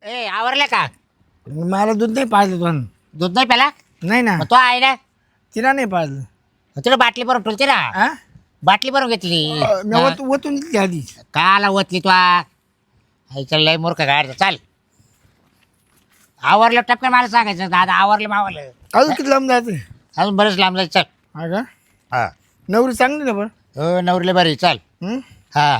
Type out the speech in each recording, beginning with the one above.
ए आवरले का? मला दूध नाही पाजलं तो. दूध नाही प्याला? नाही ना, मग तो आहे ना, तिला नाही पाजलं. तुला बाटली भरून ठेवते ना. हा? बाटली भरून घेतली. मी ओतून दिली आधी. काला ओतली तू? आईचा लय मूर्ख गाड. चाल आवरलं टपकन मला सांगायचं दादा आवरलं मावलं. अजून किती लांब जायचं? अजून बरंच लांब जायचं. चल. हा का? हा नवरी चांगली ना पण. हो नवरीला बरी. चाल. हं? हा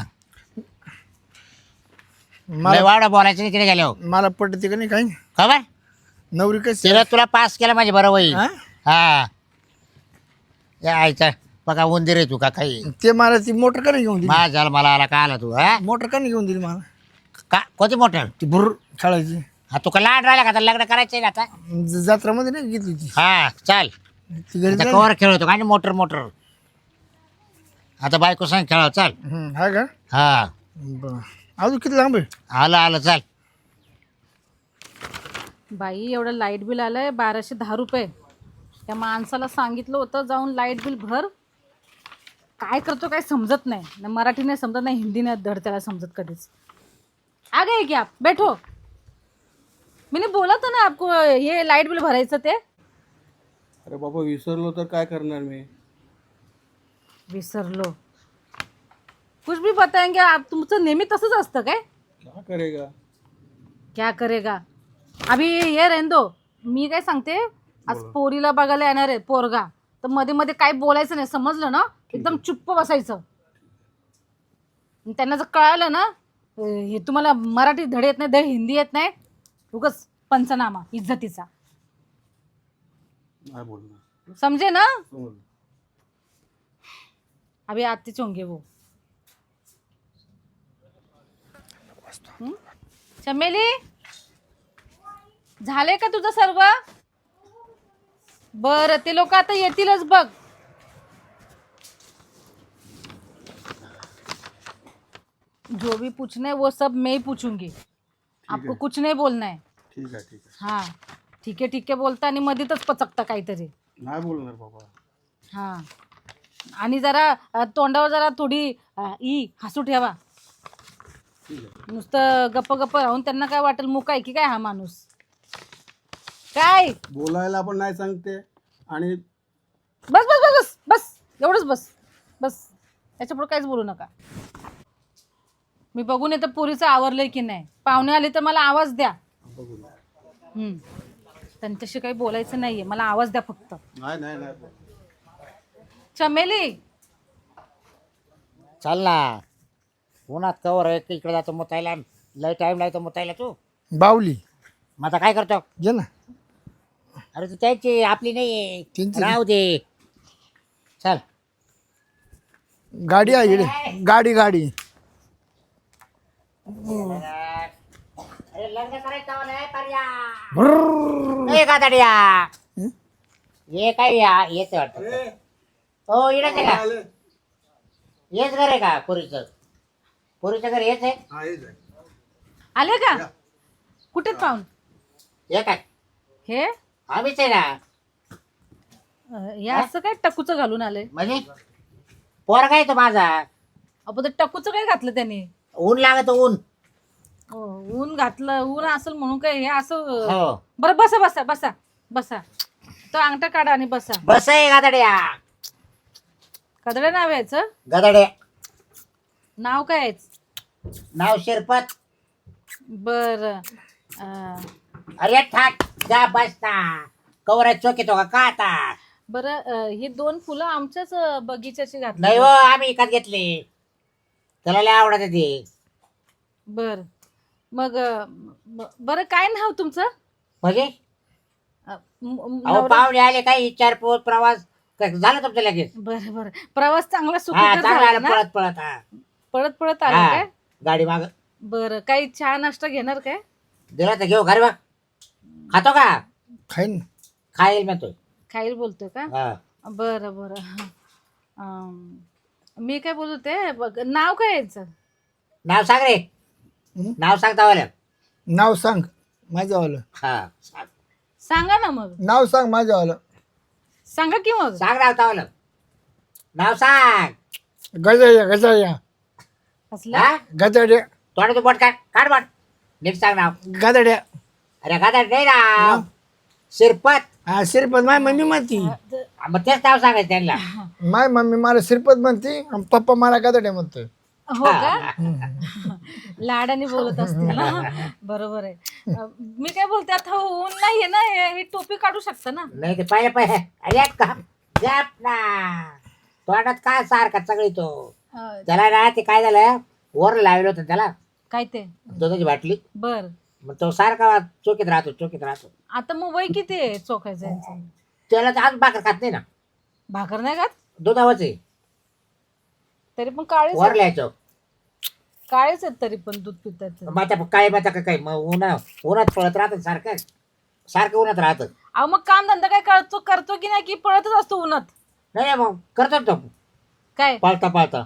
मला वाडा बोलायचं नाही तिने गेलो मला पटते का नाही काही. खबर. नवरी कशी तिला तुला पास केला माझे बरं होईल. हा? हा या आईचा बघा उंदीर आहे तू का काही. ते मला ती मोटर का नाही घेऊन दिली? माझ झालं मला आला का आला तू. हा मोटर का नाही घेऊन दिली मला? का कोणती मोटर? ती भुर खेळायची. हा तू का लहान राहिला का आता लग्न करायचंय ना आता. जत्रामध्ये नाही घेतली ती. हा चाल. ती घरी आता जाईल. कवर खेळतो का मोटर मोटर. आता बायको सांग खेळावं. चाल. हा का? हा बरं. अजून किती लांब आहे? आलं आलं. चाल. बाई एवढं लाईट बिल आलंय 1210 रुपये. त्या माणसाला सांगितलं होतं जाऊन लाईट बिल भर. काय करतो काय समजत नाही ना. मराठी नाही समजत नाही, हिंदी नाही धड त्याला समजत कधीच. आ गए क्या आप? बैठो. मैंने बोला था ना आपको ये लाईट बिल भरायचं ते. अरे बाबा विसरलो तर काय करणार मी. विसरलो. कुछ भी बताएंगे आप. तुमचं नेहमी तसंच असतं काय? क्या करेगा. क्या करेगा. अभी हे रहने दो. मी काय सांगते, आज पोरीला बघायला येणार आहे पोरगा. तर मध्ये मध्ये काय बोलायचं नाही, समजलं ना. एकदम चुप्प बसायचं. आणि त्यांना जर कळालं ना हे तुम्हाला मराठी धड येत नाही, धड हिंदी येत नाही, उगाच पंचनामा इज्जतीचा. नाही बोलणार. समजे ना. समजलं. अभी आतेच होंगे वो. चमेली झाले का तुझं सर्व? बरं ते लोक आता येतीलच बघ. जो भी पूछना है वो सब मैं ही पूछूंगी. आपको कुछ नहीं बोलना है. ठीक आहे ठीक आहे. हाँ ठीक आहे बोलता आणि मध्येच पचकता काहीतरी. नाही बोलणार बाबा. हा आणि जरा तोंडावर जरा थोडी हसू ठेवा. ठीक आहे. नुसतं गप्प गप्प राहून त्यांना काय वाटेल मुका आहे की काय हा माणूस. काय बोलायला पण नाही सांगते आणि बस बस बस बस बस एवढंच बस बस. त्याच्यापुढे काहीच बोलू नका. मी बघून येतं पोरीचं आवरलंय की नाही. पाहुणे आले तर मला आवाज द्या. बघू. त्यांच्याशी काही बोलायचं नाहीये, मला आवाज द्या फक्त. नाही नाही नाही. चमेली चाल ना. उन्हात कवर आहे इकडे जातो मुतायला. लय टाइम लागतो मुतायला तू. बावली मग आता काय करतो? घे ना. अरे तू त्याची आपली नाही त्यांची. राहू दे. चल. गाडी आहे इकडे. गाडी गाडी. अरे लग्न करायचं नाही पर्या. भुर्र. ए गादाड्या. हं? हे काय येच वाटत. हो इकडे का? हेच घर आहे का पोरीचं? पोरीचं घर हेच आहे. हा हेच आहे. आले का? कुठे पाहून हे काय हे आम्हीच आहे ना. हे असं काय टकूचं घालून आले? म्हणजे पोर काय तो माझा. आपण ते टकूचं काय घातलं त्याने? ऊन लागत ऊन. ऊन घातलं. ऊन असेल म्हणून काय हे असं. हो बरं बसा बसा बसा बसा. तो अंगठा काढा आणि बसा. बस आहे गादाड्या. कदड्या नाव यायचं? गादाड्या नाव काय यायचं? नाव शिरपत. बर अरे ठाक जा बसता. कवर चोक येतो का आता? बरं ही 2 फुलं आमच्याच बगीच्याची नाही घातली. हो आम्ही विकत घेतले. त्याला लय आवडत ते. बर मग बरं काय नाव तुमचं? म्हणजे अहो नवरा- पाहुणे आले काही विचारपूस प्रवास झालं तुमचं लगेच. बरं बरं प्रवास चांगला हा सुखकर चांगला झाला आला ना? पळत पळत. हा पळत पळत आला हा. काय? गाडी माग बरं काही चहा नाश्ता घेणार काय? दिला तर घेऊ घरी बा. खातो का? खाईन. खाईल म्हणतो. खाईल बोलतोय का? हा. बरं बरं मी काय बोलत होते बघ नाव काय यायचं? नाव सांग रे. हं? नाव सांग तावाला. नाव सांग माझ्यावालं. हा सांग. सांगा ना मग. नाव सांग माझ्यावालं. सांगा की मग. सांग नाव तावाला. नाव सांग. गजाया गजाया असला हा गजाड्या. तोंडातून बोट काढ. काढ बोट. नीट सांग नाव. गादड्या. अरे गादा नाही नाव शिरपत. हा श्रीपत माय मम्मी म्हणती. मग तेच नाव सांगायचं त्यांना. माय मम्मी मला श्रीपत म्हणते आणि पप्पा मला गादड्या म्हणतोय. हो का लाडाने बोलत असतील ना. बरोबर आहे. मी काय बोलते आता ऊन नाहीये ना हे टोपी काढू शकता ना. नाही ते पाहिजे अरे का गप ना तोंडात काय सारखा सगळी तो. त्याला ना ते काय झालं वर लावलं होतं त्याला काय ते दुधाची बाटली. बर मग तो सारखा चोकीत राहतो. आता मग वय किती आहे चोखायचं यांचं? त्याला तर आज भाकर खात नाही ना. भाकर नाही खात दुधावच आहे. तरी पण काळेच वर लिहायचं. काळेच आहेत तरी पण दूध पितात. मग आता काय मग आता काय मग उन्हात पळत राहत सारखं उन्हात राहतं. अहो मग काम धंदा काय करतो की नाही की पळतच असतो उन्हात? नाही मग करतो तो काय पाळता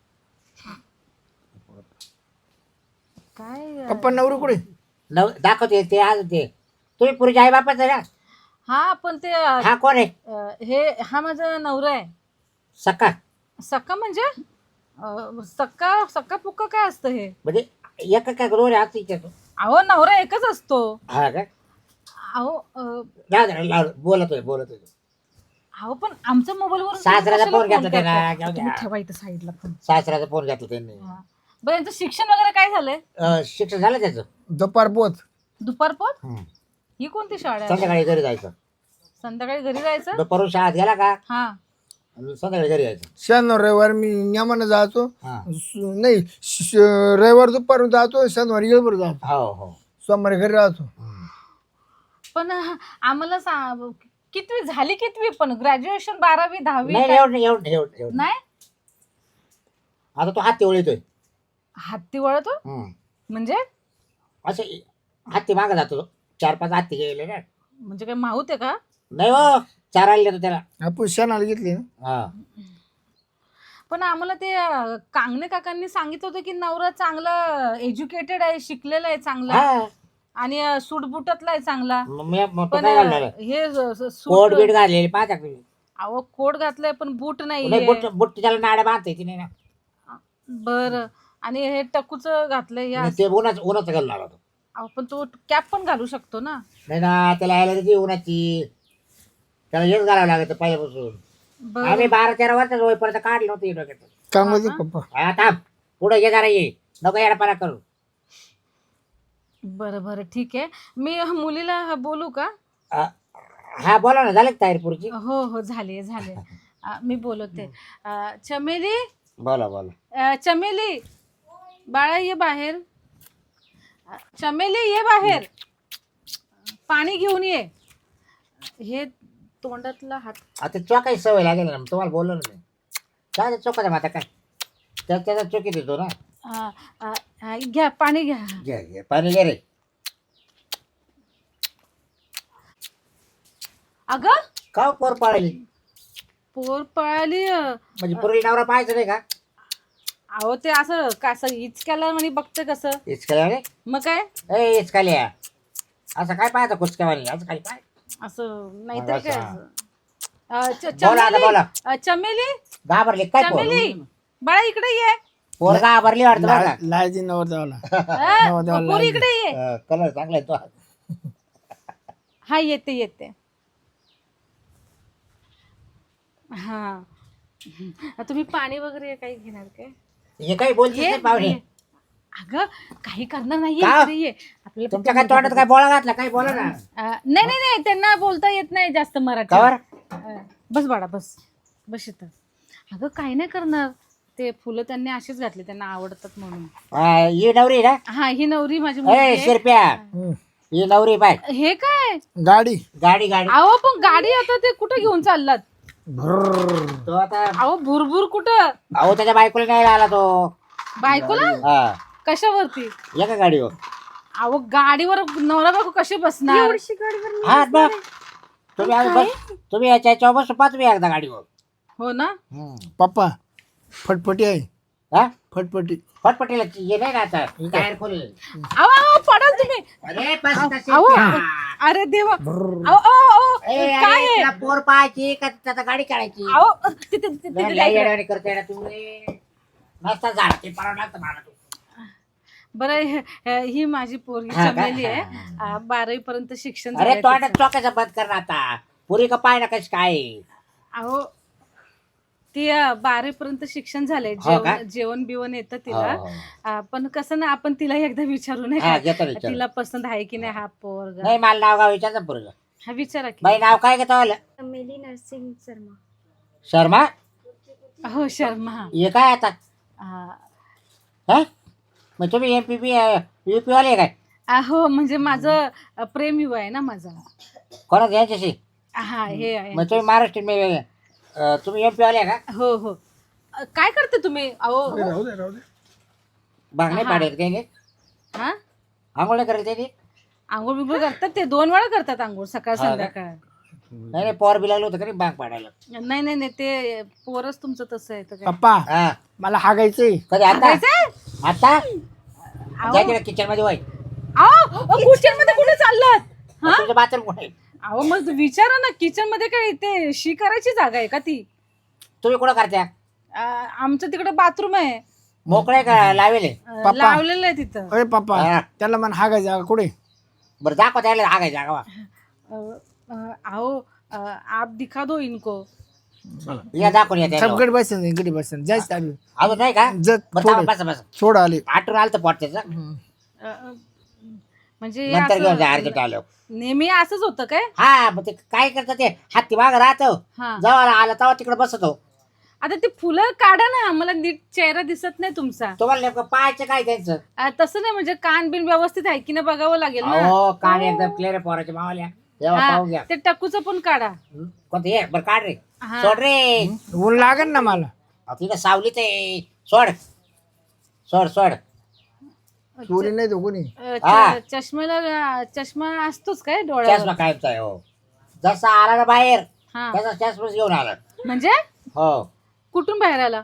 काय पप्पा नवरी कुठे? दाखवते ते आज ते तुम्ही पुरीचे आई बापाच आहे ना. हा पण ते हा कोण आहे? हे हा माझा नवरा आहे. सक्का सक्का म्हणजे सक्का पुक्का काय असतं हे? म्हणजे एक काय दोन आज विचारतो. अहो नवरा एकच असतो. हा का अहो बोलतोय अहो पण आमच्या मोबाईल वर सासऱ्याचा फोन घेतला त्याला. जाऊ द्या. ठेवा इथं साईडला फोन. सासऱ्याचा फोन घेतला त्यांनी. बरं यांचं शिक्षण वगैरे काय झालंय? शिक्षण झालं त्याचं. दुपार पोत. दुपार पोत. ही कोणती शाळा आहे? संध्याकाळी घरी जायचं. संध्याकाळी घरी जायचं. दुपारून शाळेत गेला का हा आणि संध्याकाळी घरी यायचं. शनिवार रविवार मी नियमानं जातो. हा. नाही रविवार दुपारून जातो, शनिवारी येळभर जातो, हो सोमवारी घरी राहतो. पण आम्हाला कितवी झाली कितवी पण ग्रॅज्युएशन 12वी 10वी नाही एवढं नाही. आता तो हाती ओळीतोय. हत्ती वळतो म्हणजे असे हत्ती मागं जातो. 4-5 हत्ती गेले ना. म्हणजे काय माहूत आहे का? नाही हो चारायला देतो त्याला. आपण शनाला घेतली ना. हा पण आम्हाला ते कांगणे काकांनी सांगितलं होतं की नवरा चांगला एज्युकेटेड आहे, शिकलेला आहे चांगला हा. आणि सूटबुटातला आहे चांगला. मग तो पण काय घालणार? हे कोट सूट बीट घाललेली पाहता का तुम्ही? अहो कोट घातलाय पण बूट नाही नाही. बुट्टी त्याला नाड्या बांधता येते नाही ना. बर आणि हे टकूच घातलंय आणि ते उन्हाचं घालणार होतो. पण तो कॅप पण घालू शकतो ना. नाही ना त्याला यायला त्याची उन्हाची त्याला हेच घालावं लागत पहिल्यापासून. बर आम्ही 12-13 वर्षाचं होईपर्यंत काढलं नव्हतं डोक्यात. काय म्हणते पप्पा? हा थांब पुढे ये जरा ये नको येडपारा करू. बरं बरं ठीक आहे. मी मुलीला बोलू का? हा बोला ना झालं तयारी पुढची. हो हो झाले मी बोलवते. चमेली बोला चमेली बाळा ये बाहेर. चमेली ये बाहेर पाणी घेऊन ये. हे तोंडातला हात. आता चोकाची सवय लागेल ना तुम्हाला बोललो ना मी. काय चोकाचा माता काय त्याचा चोकी देतो ना. घ्या पाणी घ्या. घे पाणी घे रे. अगं का पोर पाळली पोर पळाली. म्हणजे पोरी नवरा पाहायचं नाही का? अहो ते असं कसं इचक्याला म्हणे बघते कसं. इचकाल्या रे मग काय ए इचकाल्या असं काय पाहायचं कुचक्यावानी असं काय पाय असं नाहीतर काय असं. बोला आता बोला. चमेली घाबरली काय पोर? चमेली बाळा इकडे ये. पोर घाबरली वाटतं बरं का? लायची नवर जावला. पोरी इकडे ये. कलर चांगला आहे तो. हा येते. हा तुम्ही पाणी वगैरे काही घेणार काय? हे काही बोलते ये, पाहुणे. ये. अगं काही करणार नाहीये. का? इकडे ये. आपल्याला तुमच्या काय तोंडात काय बोळा घातला काही बोला ना. नाही त्यांना बोलता येत नाही जास्त मराठी. का बस बाळा बस इथं. अगं काही नाही करणार. ते फुलं त्यांनी अशीच घातली त्यांना आवडतात म्हणून. ही नवरी ना. हा ही नवरी माझी ए मुलगी आहे. शिरप्या ही नवरी बाय. हे काय गाडी. गाडी अहो पण गाडी आता ते कुठं घेऊन चाललात? तो आता अहो भुरभुर कुठं? अहो त्याच्या बायकोला नाही आला तो. बायकोला हा कशावरती? एका गाडीवर. अहो गाडीवर नवरा बायको कशी बसणार? हा बघ तुम्ही याच्या बस पाच मी एकदा गाडीवर. हो ना. पप्पा फटफटी आहे. हा फटफटी. फटफटीला ये नाही ना आता टायर खोल. अहो पडाल तुम्ही. अरे बस तशी. अहो अरे देवा. अहो काय आहे? तुला पोर पाहायची का त्याचा गाडी काढायची? अहो तिथे लय येड्यावानी करते ना तुम्ही. मस्त झाड ते पडावं लागतं मला तू. बरं ही माझी पोरगी हा का? चमेली आहे 12वी पर्यंत शिक्षण अरे झालंय तोंडात तिचं. चोकायचं बंद कर ना आता. पुरी का पाय ना कशी काय. अहो ती 12वी पर्यंत शिक्षण झालंय. हो का? जेवण बिवण येतं हो, तिला. हो. पण कसं ना आपण तिला एकदा विचारू नाही हा, का घेतो विचार. तिला पसंत आहे की नाही हा पोरगा. नाही मला नाव गाव विचारचं पुरं. हा विचारा की. बाई नाव काय घेतो चमेली नरसिंग शर्मा. शर्मा. हो शर्मा. हे काय आता हा. हा मग तुम्ही MPP UP वाले काय हो म्हणजे माझं प्रेम विवाह आहे ना माझा. कोणाच यांच्याशी. हा हे आहे. मग तुम्ही महाराष्ट्र तुम्ही MP वाले का. हो हो काय करते तुम्ही अहो. राहू दे राहू दे. भाग नाही हा. पाडेल त्याने. हा आंघोळ नाही करत त्याने. आंघोळ बिंघोळ करतात ते 2 वेळा करतात आंघोळ सकाळ हा का? संध्याकाळ. नाही नाही पोर बी लागलं होतं का नाही भाग पाडायला. नाही नाही नाही ते पोरच तुमचं तसं आहे तर काय. पप्पा हा मला हागायचंय. कधी आता हागायचंय? आता अहो. जायचं किचन मध्ये वाई. किचन मध्ये कुठे चाललात? हा तुमचं बाथरूम कुठे. अहो मग विचारा ना किचन मध्ये काय ते शी करायची जागा आहे का ती. तुम्ही कुठं करत्या. आमचं तिकडे बाथरूम आहे. मोकळे का लावेले. लावलेलं आहे तिथं. अरे पप्पा हा. त्याला मन हागायचं कुठे. बरं दाखव त्याला आगायचा गावा. आओ आप दिखा दो इनको. या दाखवून या सब त्याला. गडी बसन गडी बसन जायचं चालू. अजून नाही का. जत बरं थोडं थांबा, बसा बसा. सोड आले. आठवून आलं तर पोट त्याचं. म्हणजे हे नंतर घेऊन जा असं अर्जंट आलं. नेहमी असंच होतं काय. हा मग ते काय करतं ते हत्ती माग राहतो. हा जवळ आला तेव्हा तिकडे बसतो. आता ते फुलं काढा ना मला नीट चेहरा दिसत नाही तुमचा. तुम्हाला नेमकं पाहायचं काय त्यांचं. तसं नाही म्हणजे कान बिन व्यवस्थित आहे की नाही बघावं लागेल ना. हो कान एकदम क्लिअर पोराच्या मावाल्या. तेव्हा हा, पाहून घ्या. ते टकूचं पण काढा. कोणतं हे बरं काढ रे. हा. सोड रे. ऊन लागेल ना मला. तिथं सावलीत आहे. सोड सोड सोड. चोरी नाही तो कोणी. हा. चष्मा असतोच काय चष्मा डोळ्यावर. कायमचा आहे. हो जसा आला ना बाहेर हा तसा चष्माच घेऊन आला. म्हणजे हो कुठून बाहेर आला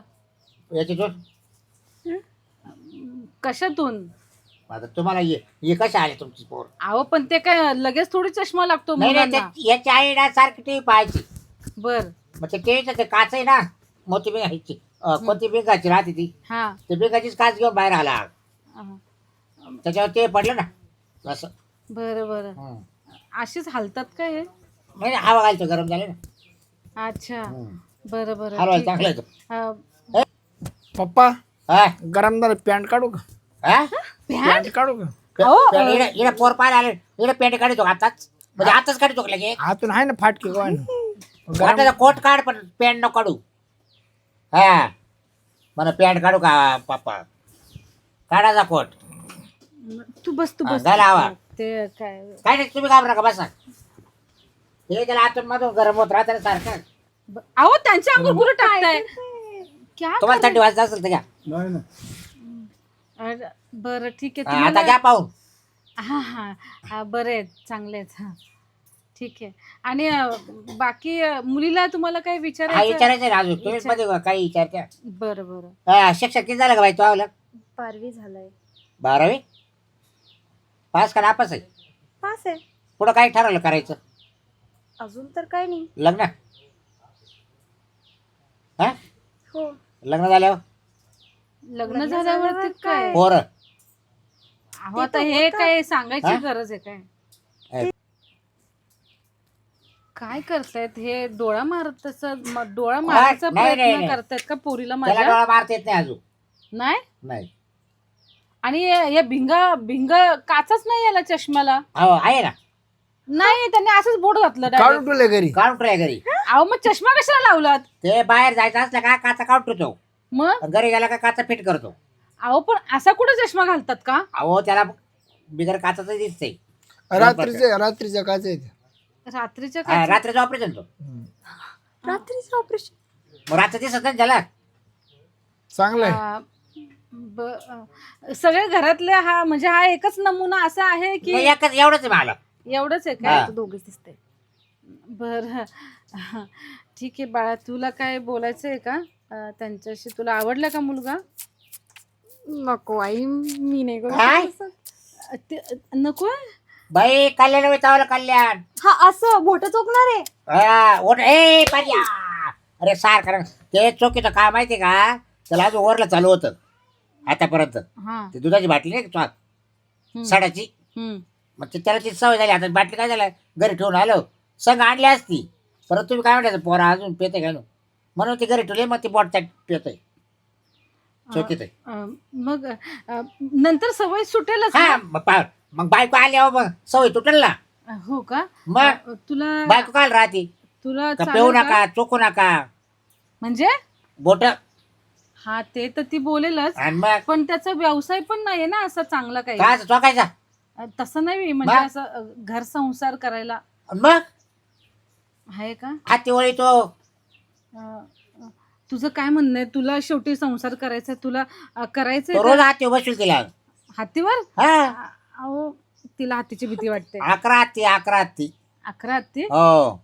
याची कशातून. आता तुम्हाला हे कसे आले तुमची पोर. अहो पण ते काय लगेच थोडी चष्मा लागतो नाही नाही मुलांना. याची आई ना सारखी टीव्ही पाहायची. बर मग ते टीव्हीचं ते काच आहे ना मोठी बिंगाची कोणती बिंगाची राहते ती. हा ते बिंगाचीच काच घेऊन बाहेर आला. हा. त्याच्यावर ते पडलं ना असं. बरं बरं हम्म. अशीच हालतात काय हे? नाही नाही, हवा घालतो गरम झाले ना. अच्छा हम्म. बरं बरं हलवायला ठीक चांगलं आहे. आहे तो. पप्पा हा? गरम झालं पॅन्ट काढू का. हा? पॅन्ट काढू का. अहो, इकडे पोर पाहायला आले इकडे पेंट काढतो आताच म्हणजे आताच काढतो का लगे. हातून आहे ना फाटके गव्हाण. गरम वाटायचा कोट काढ पण पॅन्ट नको काढू. हा मला पॅन्ट काढू का पप्पा. काढायचा कोट. तू बस तू हा, बस. झाला आवा. ते काय काय नाही तुम्ही घाबरा का बसा. हे त्याला आतून मधून गरम होत राहतं ना सारखं. अहो त्यांच्या अंगावर कुठं टाकताय. क्या तुम्हाला थंडी वाजत असेल तर घ्या. नाही ना. अरे, बरं ठीक आहे हा, आता तुम्हाला. घ्या पाहून. हा हा हा बरे आहेत चांगले आहेत. हा ठीक आहे. आणि बाकी मुलीला तुम्हाला काय हा विचारायचं. विचारायचं ना अजून तुम्ही मध्ये काही विचारत्या. बरं बरं हा, शिक्षक किती झालं का बाई तू आवलं. 12वी झालंय. 12वी पास का नापास आहे. पास आहे. पुढं काय ठरवलं करायचं. अजून तर काय नाही. लग्न. हा हो. लग्न झाल्यावर लग्न झाल्यावरती काय. पोरं. अहो आता हे काय सांगायची हा? गरज आहे काय. आहे. काय करतायत हे डोळा मारत तसं डोळा मारायचा नाही, नाही, प्रयत्न नाही. करतायत का पोरीला त्याला माझ्या. डोळा मारता येत नाही अजून. नाही नाही. आणि या भिंग काचाच नाही याला चष्म्याला. हो आहे ना. नाही त्यांनी असंच बोट घातलं direct. काढून ठेवले घरी. काउंटर आहे घरी. अहो मग चष्मा कशाला लावलात ते बाहेर जायचं असलं का काचा काउंटरतो. मग. घरी गेला का काचा फिट करतो. अहो पण असा कुठे चष्मा घालतात का. अहो त्याला बिगर काचाच दिसतंय. रात्रीच्या काच आहे. रात्रीच्या हा, काय. रात्रीचं ऑपरेशन तो. रात्रीचं ऑपरेशन. मग रात्र दिसत नाही त्याला. चांगलं आहे. सगळे घरातले हा म्हणजे हा एकच नमुना असा आहे की नाही, एकच एवढंच आहे मला. एवढंच आहे हा. काय. दोघेच दिसते. बर ठीक आहे बाळा तुला काय बोलायचं आहे का त्यांच्याशी. तुला आवडला का मुलगा. नको आई मी नाही काय? नको. बाई कल्याण विचावलं कल्याण. हा असं बोट चोकणार आहे. हा, ओट ए पर्या. अरे सार कारण ते चोकीचं काय माहिती का त्याला अजून वरला चालू होतं. आतापर्यंत हा ती दुधाची बाटली नाही का साडाची हम्म. मग ते त्याला ती सवय झाली आता बाटली काय झालं घरी ठेवून आलो संग आणली असती परत तुम्ही काय म्हणायचं पोरा अजून पेते घालून म्हणून ती घरी ठेवली मग ती बॉट पेत आहे चौकीत आहे मग नंतर सवय सुटेलच हा ना? मग बायको आली मग सवय तुटेल ना हो का मग तुला बायको काय राहते तुला का चालेल पेऊ का? नका चोकू नका म्हणजे बोट हा ते तर ती बोलेलच आणि मग पण त्याचा व्यवसाय पण नाहीये ना असा चांगला काही काय चोकायचा तसं नाही म्हणजे मग? असं घर संसार करायला मग आहे का हाती वळी तो अं, तुझं काय म्हणणं आहे तुला शेवटी संसार करायचा तुला करायचंय तो का? रोज हाती बसून तिला हातीवर हा अहो तिला हातीची भीती वाटते 11 हत्ती 11 हत्ती 11 हत्ती हो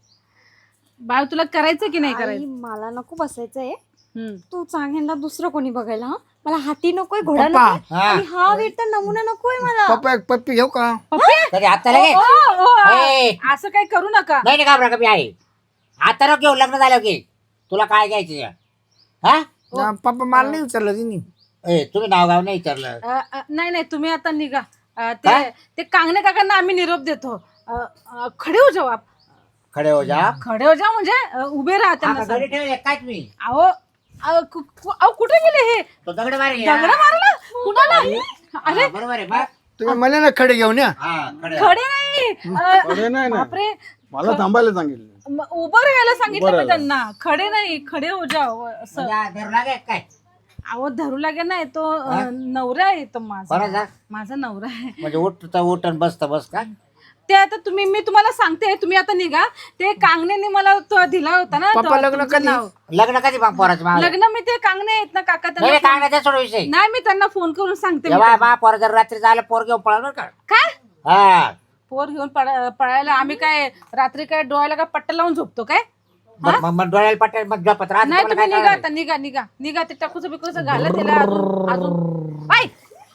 बाळ तुला करायचं की नाही आई, करायचं मला नको बसायचंय हम्म. तू सांग ह्यांना दुसरं कोणी बघायला हा मला हाती नकोय घोडा पप्पा. नकोय हा. आणि हा वेट तर नमुना नकोय मला पप्पा एक पप्पी घेऊ का कधी आता लगे ओ, ओ, ए. असं काही करू नका नाही नाही घाबरा कमी आहे आता नको घेऊ लग्न झालं की तुला काय घ्यायचं हा ना, पप्पा मला नाही विचारलं तिने ए तुम्ही नाव गाव नाही विचारलं नाही नाही तुम्ही आता निघा काय? ते कांगणे काकांना आम्ही निरोप देतो खडे हो जाऊ आप खडे हो जा खडे हो जाऊ म्हणजे उभे राहा त्यांना आता घरी ठेवले काय तुम्ही सांग. अहो कुठे गेले हे तो दगड मारे दगड मारला कुणाला अरे बरोबर आहे बा तुम्ही मला ना खडे घेऊन या हा खडे खडे नाही खडे नाही ना. बापरे मला थांबायला सांगितलं उभं राहायला सांगितलं उभं मी त्यांना खडे नाही खडे हो जाओ असं म्हणजे धरू लागे काय अहो धरू लागे नाही तो नवरा आहे तो माझा कोणाचा? माझा नवरा आहे म्हणजे उठता उठण बसता बस का ते आता मी तुम्हाला सांगते तुम्ही आता निघा ते कांगण्याने मला तो दिला होता ना पप्पा तो- लग्न तुमचं कधी? नाव. लग्न कधी मग पोराचं माग लग्न मी ते कांगणे आहेत ना काका नाही त्यांना काय नाही सोड विषय नाही मी त्यांना फोन करून सांगते मी जेव्हा त्यांना. मा पोर जर रात्री झालं पोर घेऊन पळाल बरं का काय हा पोर घेऊन पळायला आम्ही काय रात्री काय डोळ्याला काय पट्टा लावून झोपतो काय मग डोळ्याला पटेल मग झोपत राहत नाही तुम्हाला तुम्ही काय निघा करायचं? आता निघा निघा निघा ते टाकूचं बिकूचं घाला त्याला अजून बाय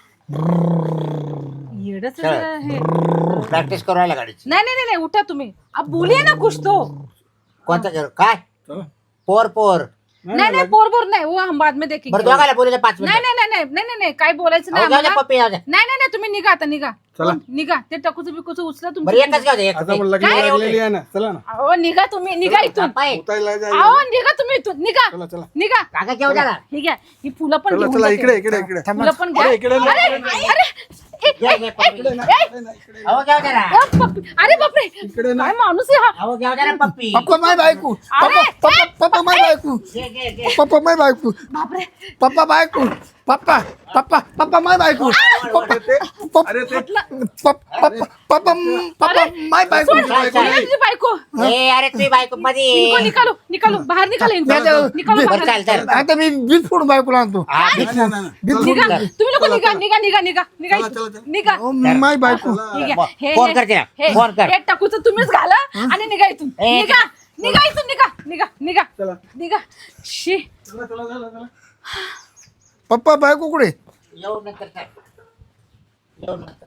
येडच हे प्रॅक्टिस करू राहिला गाडीची नाही नाही नाही उठा तुम्ही अब बोलिए ना कुछ तो कोणतं घर काय चला. पोर पोर नाही नाही पोर नाही वो हम बाद में देखेंगे बरं दोघाला बोलले 5 नाही मिनिट नाही नाही नाही नाही नाही काय बोलायचं नाही आम्हाला. पप्पी जाऊ द्या. नाही नाही नाही तुम्ही निघा आता निघा चला. निघा ते टकूचं बिकूचं उचला बरं तुम्ही एकच घेऊ दे आता पण लग्न काय रे, लागलेली आहे ना चला ना अहो निघा तुम्ही निघा इथून पाय. उतायला जाय अहो निघा तुम्ही इथून निघा चला चला निघा काका घेऊ द्या ना. ही घ्या ही फुलं पण चला घेऊन चला जाते. इकडे इकडे इकडे फुलं पण घ्या अरे, इकडे नाही, अरे इकडे अरे घे, घे, पप्पी. इकडे नाही, इकडे नाही, इकडे अहो घेऊ द्या ना. अरे बापरे इकडे नाही. काय माणूस आहे हा अहो घेऊ द्या ना पप्पी पप्पा माय बायको अरे, पप्पा पप्पा माय बायको घे, घे, घे. पप्पा माय बायको बापरे पप्पा बायको पप्पा पप्पा पप्पा माय बायको अरे ते अरे ते पप्पा पप्पा पप्पा माय बायको सोड, काय, काय? सोड तुझी बायको ए अरे तुम्ही बायको मध्ये निको निकालो निकालो बाहेर निकालो इनको. नाही, नाही, निकालो बरं बाहेर. चाल चाल आता मी बीज फोडून बायकोला आणतो हा, नाही, नाही, नाही, नाही. निघा तुम्ही लोक निघा निघा निघा निघा निघा चला, इथून. चला, चला. निघा ओ, माय बायको ठीक आहे. हे- फोन हे- कर तिला. हे- फोन कर. हे टाकूचं तुम्हीच घाला आणि निघा इथून ए, निघा निघा इथून निघा निघा निघा चला निघा शी चला चला चला चला पप्पा बायको कुठे येऊ नंतर येऊ नंतर